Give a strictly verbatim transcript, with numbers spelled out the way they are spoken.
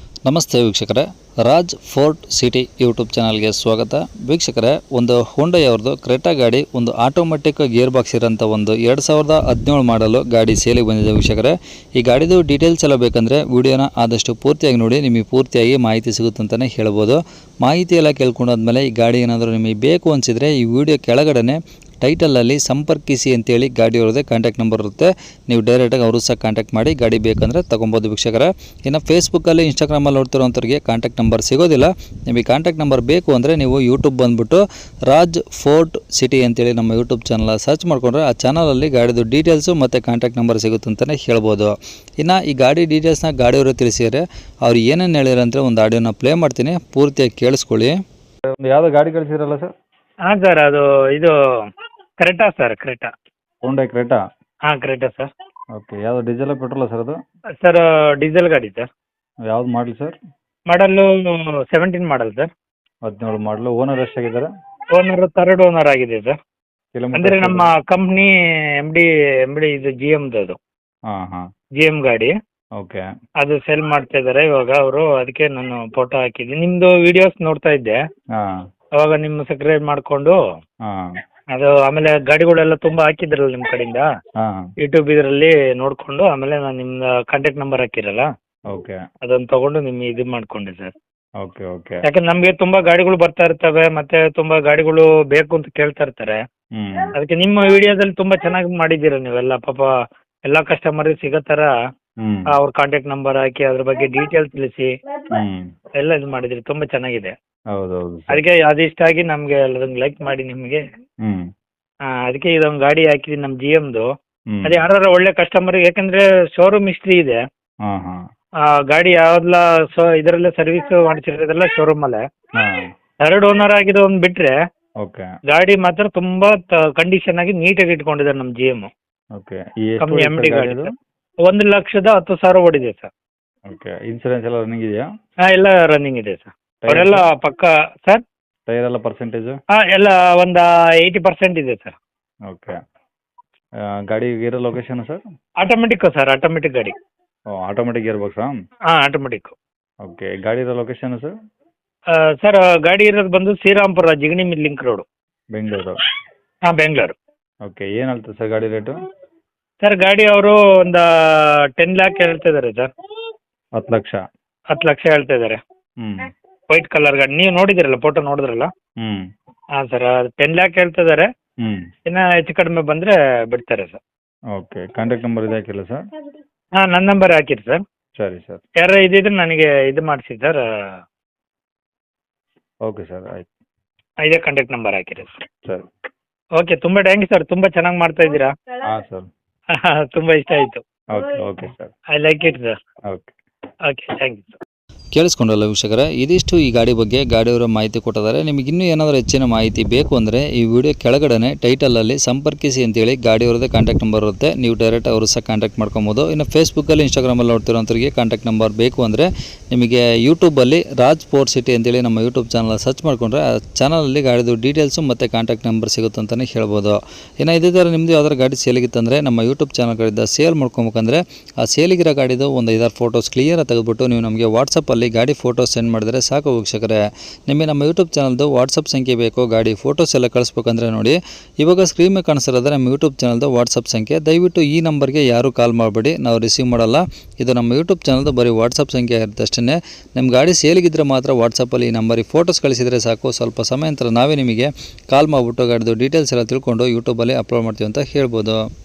ನಮಸ್ತೆ ವೀಕ್ಷಕರೇ, Raj fort city YouTube ಚಾನಲ್ಗೆ ಸ್ವಾಗತ. ವೀಕ್ಷಕರೇ, ಒಂದು ಹೋಂಡೈ ಅವ್ರದ್ದು ಕ್ರೆಟಾ ಗಾಡಿ, ಒಂದು ಆಟೋಮೆಟಿಕ್ ಗೇರ್ ಬಾಕ್ಸ್ ಇರೋಂಥ ಒಂದು ಎರಡು ಸಾವಿರದ ಹದಿನೇಳು ಮಾಡಲು ಗಾಡಿ ಸೇಲಿಗೆ ಬಂದಿದೆ. ವೀಕ್ಷಕರೇ, ಈ ಗಾಡಿದು ಡೀಟೇಲ್ಸ್ ಎಲ್ಲ ಬೇಕಂದರೆ ವಿಡಿಯೋನ ಆದಷ್ಟು ಪೂರ್ತಿಯಾಗಿ ನೋಡಿ, ನಿಮಗೆ ಪೂರ್ತಿಯಾಗಿ ಮಾಹಿತಿ ಸಿಗುತ್ತೆ ಅಂತಲೇ ಹೇಳ್ಬೋದು. ಮಾಹಿತಿ ಎಲ್ಲ ಕೇಳ್ಕೊಂಡಾದ್ಮೇಲೆ ಈ ಗಾಡಿ ಏನಾದರೂ ನಿಮಗೆ ಬೇಕು ಅನಿಸಿದರೆ ಈ ವಿಡಿಯೋ ಕೆಳಗಡೆ ಟೈಟಲಲ್ಲಿ ಸಂಪರ್ಕಿಸಿ ಅಂತೇಳಿ ಗಾಡಿಯವ್ರದ್ದೇ ಕಾಂಟ್ಯಾಕ್ಟ್ ನಂಬರ್ ಇರುತ್ತೆ. ನೀವು ಡೈರೆಕ್ಟಾಗಿ ಅವರು ಸಹ ಕಾಂಟ್ಯಾಕ್ಟ್ ಮಾಡಿ ಗಾಡಿ ಬೇಕಂದರೆ ತೊಗೊಬೋದು ವೀಕ್ಷಕರೇ. ಇನ್ನು ಫೇಸ್ಬುಕ್ಕಲ್ಲಿ ಇನ್ಸ್ಟಾಗ್ರಾಮಲ್ಲಿ ನೋಡ್ತಿರೋಂಥವ್ರಿಗೆ ಕಾಂಟ್ಯಾಕ್ಟ್ ನಂಬರ್ ಸಿಗೋದಿಲ್ಲ. ನಿಮಗೆ ಕಾಂಟ್ಯಾಕ್ಟ್ ನಂಬರ್ ಬೇಕು ಅಂದರೆ ನೀವು ಯೂಟ್ಯೂಬ್ ಬಂದುಬಿಟ್ಟು ರಾಜ್ ಫೋರ್ಟ್ ಸಿಟಿ ಅಂತೇಳಿ ನಮ್ಮ ಯೂಟ್ಯೂಬ್ ಚಾನಲ್ ಸರ್ಚ್ ಮಾಡಿಕೊಂಡ್ರೆ ಆ ಚಾನಲಲ್ಲಿ ಗಾಡಿದು ಡೀಟೇಲ್ಸು ಮತ್ತು ಕಾಂಟ್ಯಾಕ್ಟ್ ನಂಬರ್ ಸಿಗುತ್ತೆ ಅಂತಲೇ ಹೇಳ್ಬೋದು. ಇನ್ನು ಈ ಗಾಡಿ ಡೀಟೇಲ್ಸ್ನ ಗಾಡಿಯವರು ತಿಳಿಸಿದರೆ ಅವ್ರು ಏನೇನು ಹೇಳಿರಂದರೆ ಒಂದು ಆಡಿಯೋನ ಪ್ಲೇ ಮಾಡ್ತೀನಿ, ಪೂರ್ತಿಯಾಗಿ ಕೇಳಿಸ್ಕೊಳ್ಳಿ. ಒಂದು ಯಾವುದೋ ಗಾಡಿ ಕಳಿಸಿದ್ರಲ್ಲ ಸರ್? ಹಾಂ ಸರ್, ಅದು ಇದು Creta sir, Creta. Hyundai Creta. ಹಾಂ, ಕ್ರೆಟಾ ಸರ್. ಓಕೆ, ಯಾವುದು ಡೀಸೆಲ್ ಪೆಟ್ರೋಲ ಸರ್ ಅದು? ಸರ್ ಡೀಸೆಲ್ ಗಾಡಿ ಸರ್. ಯಾವ್ದು ಮಾಡಲಿ sir? Model seventeen model sir. ಹದಿನೇಳು ಮಾಡಲು. ಓನರ್ ಎಷ್ಟಾಗಿದ್ದಾರೆ? ಓನರ್ ಥರ್ಡ್ ಓನರ್ ಆಗಿದೆ ಸರ್. ಕಿಲೋಮೀಟರ್ ಅಂದರೆ ನಮ್ಮ company M D M D ಇದು ಜಿ ಎಮ್ದು, ಅದು ಹಾಂ ಹಾಂ ಜಿ ಎಮ್ ಗಾಡಿ. ಓಕೆ. ಅದು ಸೆಲ್ ಮಾಡ್ತಾ ಇದ್ದಾರೆ ಇವಾಗ ಅವರು, ಅದಕ್ಕೆ ನಾನು ಫೋಟೋ ಹಾಕಿದ್ದೀನಿ. ನಿಮ್ಮದು ವಿಡಿಯೋಸ್ ನೋಡ್ತಾ ಇದ್ದೆ, ಹಾಂ. ಅವಾಗ ನಿಮ್ಮ ಸಬ್ಸ್ಕ್ರೈಬ್ ಮಾಡಿಕೊಂಡು ಹಾಂ ಅದು ಆಮೇಲೆ ಗಾಡಿಗಳೆಲ್ಲ ತುಂಬ ಹಾಕಿದ್ರಲ್ಲ ನಿಮ್ಮ ಕಡೆಯಿಂದ ಹಾಂ. ಯೂಟ್ಯೂಬ್ ಇದರಲ್ಲಿ ನೋಡಿಕೊಂಡು ಆಮೇಲೆ ನಾನು ನಿಮ್ಮ ಕಾಂಟ್ಯಾಕ್ಟ್ ನಂಬರ್ ಹಾಕಿರಲ್ಲ, ಓಕೆ. ಅದನ್ನು ತಗೊಂಡು ನಿಮ್ಗೆ ಇದು ಮಾಡ್ಕೊಂಡೆ ಸರ್. Okay okay. ಯಾಕಂದ್ರೆ ನಮಗೆ ತುಂಬಾ ಗಾಡಿಗಳು ಬರ್ತಾ ಇರ್ತವೆ, ಮತ್ತೆ ತುಂಬಾ ಗಾಡಿಗಳು ಬೇಕು ಅಂತ ಕೇಳ್ತಾ ಇರ್ತಾರೆ. ಹ್ಞೂ. ಅದಕ್ಕೆ ನಿಮ್ಮ ವಿಡಿಯೋದಲ್ಲಿ ತುಂಬಾ ಚೆನ್ನಾಗಿ ಮಾಡಿದ್ದೀರ ನೀವೆಲ್ಲ. ಪಾಪ ಎಲ್ಲ ಕಸ್ಟಮರ್ ಸಿಗೋ ಥರ ಹ್ಞೂ. ಅವ್ರ ಕಾಂಟ್ಯಾಕ್ಟ್ ನಂಬರ್ ಹಾಕಿ ಅದ್ರ ಬಗ್ಗೆ ಡೀಟೇಲ್ಸ್ ತಿಳಿಸಿ ಹ್ಞೂ. ಎಲ್ಲ ಇದು ಮಾಡಿದ್ರಿ, ತುಂಬಾ ಚೆನ್ನಾಗಿದೆ. ಹೌದು ಹೌದು ಸರ್. ಅದಕ್ಕೆ ಅದಿಷ್ಟಾಗಿ ನಮಗೆ ಎಲ್ಲದನ್ನು ಲೈಕ್ ಮಾಡಿ ನಿಮಗೆ. ಹ್ಞೂ. ಅದಕ್ಕೆ ಇದೊಂದು ಗಾಡಿ ಹಾಕಿದ್ದೀನಿ ನಮ್ಮ ಜಿ ಎಮ್ದು. ಹ್ಞೂ. ಅದೇ ಯಾರು ಒಳ್ಳೆ ಕಸ್ಟಮರ್, ಯಾಕಂದ್ರೆ ಶೋರೂಮ್ ಹಿಸ್ಟ್ರಿ ಇದೆ. ಹಾಂ ಹಾಂ. ಆ, ಗಾಡಿ ಯಾವ್ದಲ್ಲ ಸೊ ಇದರಲ್ಲೇ ಸರ್ವಿಸ್ ಮಾಡಿಸಿರೋದೆಲ್ಲ ಶೋರೂಮ್ ಅಲ್ಲೇ. ಹಾಂ. ಥರ್ಡ್ ಓನರ್ ಆಗಿರೋ ಒಂದು ಬಿಟ್ರೆ ಓಕೆ. ಗಾಡಿ ಮಾತ್ರ ತುಂಬಾ ಕಂಡೀಷನ್ ಆಗಿ ನೀಟಾಗಿ ಇಟ್ಕೊಂಡಿದ್ದಾರೆ ನಮ್ಮ ಜಿ ಎಮ್ ಓಕೆ. ಈ ಎಷ್ಟು ಕಂಪ್ನಿ ಎಮ್ ಡಿ ಗಾಡಿ ಅದು? ಸರ್. ಒಂದು ಲಕ್ಷದ ಹತ್ತು ಸಾವಿರ ಓಡಿದೆ ಸರ್. ಓಕೆ. ಇನ್ಸೂರೆನ್ಸ್ ಎಲ್ಲ ರನ್ನಿಂಗ್ ಇದೆಯಾ? ಹಾಂ, ಎಲ್ಲ ರನ್ನಿಂಗ್ ಇದೆ ಸರ್. ಅವರೆಲ್ಲ ಪಕ್ಕ ಸರ್. ಟೈರ್ ಎಲ್ಲ ಪರ್ಸೆಂಟೇಜು? ಹಾಂ, ಎಲ್ಲ ಒಂದು ಏಯ್ಟಿ ಪರ್ಸೆಂಟ್ ಇದೆ ಸರ್. ಓಕೆ. ಗಾಡಿ ಇರೋ location sir? Automatic sir, automatic ಗಾಡಿ. ಓ, ಆಟೋಮೆಟಿಕ್ ಗೇರ್ ಬಾಕ್ಸಾ? ಹಾಂ, ಆಟೋಮೆಟಿಕ್. ಓಕೆ. ಗಾಡಿ ಇರೋ ಲೊಕೇಶನ್ ಸರ್? ಸರ್ ಗಾಡಿ ಇರೋದು ಬಂದು Shrirampura, Jigani mill link road, Bengaluru. ಹಾಂ, ಬೆಂಗಳೂರು. ಓಕೆ. ಏನು ಹೇಳ್ತಾರೆ ಸರ್ ಗಾಡಿ ರೇಟು? ಸರ್ ಗಾಡಿ ಅವರು ಒಂದು ಟೆನ್ ಲ್ಯಾಕ್ ಹೇಳ್ತಾ ಇದ್ದಾರೆ ಸರ್. ಹತ್ತು ಲಕ್ಷ. ಹತ್ತು ಲಕ್ಷ ಹೇಳ್ತಾ ಇದ್ದಾರೆ. ಹ್ಞೂ. ವೈಟ್ ಕಲರ್ ಗಾಡಿ, ನೀವು ನೋಡಿದಿರಲ್ಲ, ಫೋಟೋ ನೋಡಿದ್ರಲ್ಲ? ಹ್ಞೂ. ಹಾಂ ಸರ್, ಟೆನ್ ಲ್ಯಾಕ್ ಹೇಳ್ತಾ ಇದ್ದಾರೆ. ಹ್ಞೂ. ಇನ್ನು ಹೆಚ್ಚು ಕಡಿಮೆ ಬಂದರೆ ಬಿಡ್ತಾರೆ ಸರ್. ಓಕೆ. ಕಾಂಟ್ಯಾಕ್ಟ್ ನಂಬರ್ ಇದೆ ಹಾಕಿಲ್ಲ ಸರ್? ಹಾಂ, ನನ್ನ ನಂಬರ್ ಹಾಕಿರಿ ಸರ್. ಸರಿ ಸರ್. ಯಾರು ಇದಿದ್ರೆ ನನಗೆ ಇದು ಮಾಡಿಸಿ ಸರ್. ಓಕೆ ಸರ್, ಆಯ್ತು. ಇದೇ ಕಾಂಟ್ಯಾಕ್ಟ್ ನಂಬರ್ ಹಾಕಿರಿ ಸರ್. ಸರಿ. ಓಕೆ, ತುಂಬ ಥ್ಯಾಂಕ್ ಯು ಸರ್, ತುಂಬ ಚೆನ್ನಾಗಿ ಮಾಡ್ತಾ ಇದ್ದೀರಾ. ಹಾಂ ಸರ್. ತುಂಬ ಇಷ್ಟ ಆಯಿತು. Okay okay sir. I like it sir. Okay. Okay, thank you sir. ಕೇಳಿಸ್ಕೊಂಡಲ್ಲ ವೀಕ್ಷಕರೇ, ಇದಿಷ್ಟು ಈ ಗಾಡಿ ಬಗ್ಗೆ ಗಾಡಿಯವರ ಮಾಹಿತಿ ಕೊಟ್ಟಿದ್ದಾರೆ. ನಿಮಗೆ ಇನ್ನೂ ಏನಾದರೂ ಹೆಚ್ಚಿನ ಮಾಹಿತಿ ಬೇಕು ಅಂದರೆ ಈ ವಿಡಿಯೋ ಕೆಳಗಡೆ ಟೈಟಲಲ್ಲಿ ಸಂಪರ್ಕಿಸಿ ಅಂತೇಳಿ ಗಾಡಿಯವ್ರದ್ದೇ ಕಾಂಟ್ಯಾಕ್ಟ್ ನಂಬರ್ ಇರುತ್ತೆ. ನೀವು ಡೈರೆಕ್ಟ್ ಅವರು ಸಹ ಕಾಂಟ್ಯಾಕ್ಟ್ ಮಾಡ್ಕೊಬೋದು. ಇನ್ನು ಫೇಸ್ಬುಕ್ಕಲ್ಲಿ ಇನ್ಸ್ಟಾಗ್ರಾಮಲ್ಲಿ ನೋಡ್ತಿರೋಂಥವ್ರಿಗೆ ಕಾಂಟ್ಯಾಕ್ಟ್ ನಂಬರ್ ಬೇಕು ಅಂದರೆ ನಿಮಗೆ ಯೂಟ್ಯೂಬಲ್ಲಿ ರಾಜ್ ಫೋರ್ಟ್ ಸಿಟಿ ಅಂತೇಳಿ ನಮ್ಮ ಯೂಟ್ಯೂಬ್ ಚಾನಲ್ ಸರ್ಚ್ ಮಾಡಿಕೊಂಡ್ರೆ ಆ ಚಾನಲಲ್ಲಿ ಗಾಡಿದು ಡೀಟೇಲ್ಸು ಮತ್ತು ಕಾಂಟ್ಯಾಕ್ಟ್ ನಂಬರ್ ಸಿಗುತ್ತೆ ಅಂತಲೇ ಹೇಳ್ಬೋದು. ಇನ್ನು ಇದೇ ಥರ ನಿಮ್ಮದು ಯಾವ್ದಾರು ಗಾಡಿ ಸೇಲಿಗಿತ್ತಂದರೆ ನಮ್ಮ ಯೂಟ್ಯೂಬ್ ಚಾನಲ್ ಕಡೆಯಿಂದ ಸೇಲ್ ಮಾಡ್ಕೊಬೇಕಂದ್ರೆ ಆ ಸೇಲಿಗಿರೋ ಗಾಡಿದು ಒಂದು ಐದಾರು ಫೋಟೋಸ್ ಕ್ಲಿಯರಾಗಿ ತೆಗೆದುಬಿಟ್ಟು ನೀವು ನಮಗೆ ವಾಟ್ಸಪ್ಪಲ್ಲಿ ಗಾಡಿ ಫೋಟೋಸ್ ಸೆಂಡ್ ಮಾಡಿದರೆ ಸಾಕು ವೀಕ್ಷಕರೇ. ನಿಮಗೆ ನಮ್ಮ ಯೂಟ್ಯೂಬ್ ಚಾನಲ್ದು ವಾಟ್ಸಪ್ ಸಂಖ್ಯೆ ಬೇಕು, ಗಾಡಿ ಫೋಟೋಸ್ ಎಲ್ಲ ಕಳಿಸ್ಬೇಕಂದ್ರೆ ನೋಡಿ ಇವಾಗ ಸ್ಕ್ರೀನ್ ಮೇಲೆ ಕಾಣಿಸಿರೋದ್ರೆ ನಮ್ಮ ಯೂಟ್ಯೂಬ್ ಚಾನಲ್ದು ವಾಟ್ಸಪ್ ಸಂಖ್ಯೆ. ದಯವಿಟ್ಟು ಈ ನಂಬರ್ಗೆ ಯಾರೂ ಕಾಲ್ ಮಾಡಬೇಡಿ, ನಾವು ರಿಸೀವ್ ಮಾಡಲ್ಲ. ಇದು ನಮ್ಮ ಯೂಟ್ಯೂಬ್ ಚಾನಲ್ದು ಬರೀ ವಾಟ್ಸಪ್ ಸಂಖ್ಯೆ ಇರುತ್ತೆ ಅಷ್ಟೇ. ನಿಮ್ಮ ಗಾಡಿ ಸೇಲಿಗಿದ್ರೆ ಮಾತ್ರ ವಾಟ್ಸಪ್ಪಲ್ಲಿ ಈ ನಂಬರಿಗೆ ಫೋಟೋಸ್ ಕಳಿಸಿದರೆ ಸಾಕು. ಸ್ವಲ್ಪ ಸಮಯ ನಂತರ ನಾವೇ ನಿಮಗೆ ಕಾಲ್ ಮಾಡಿಬಿಟ್ಟು ಗಾಡಿದು ಡೀಟೇಲ್ಸ್ ಎಲ್ಲ ತಿಳ್ಕೊಂಡು ಯೂಟ್ಯೂಬಲ್ಲಿ ಅಪ್ಲೋಡ್ ಮಾಡ್ತೀವಿ ಅಂತ ಹೇಳ್ಬೋದು.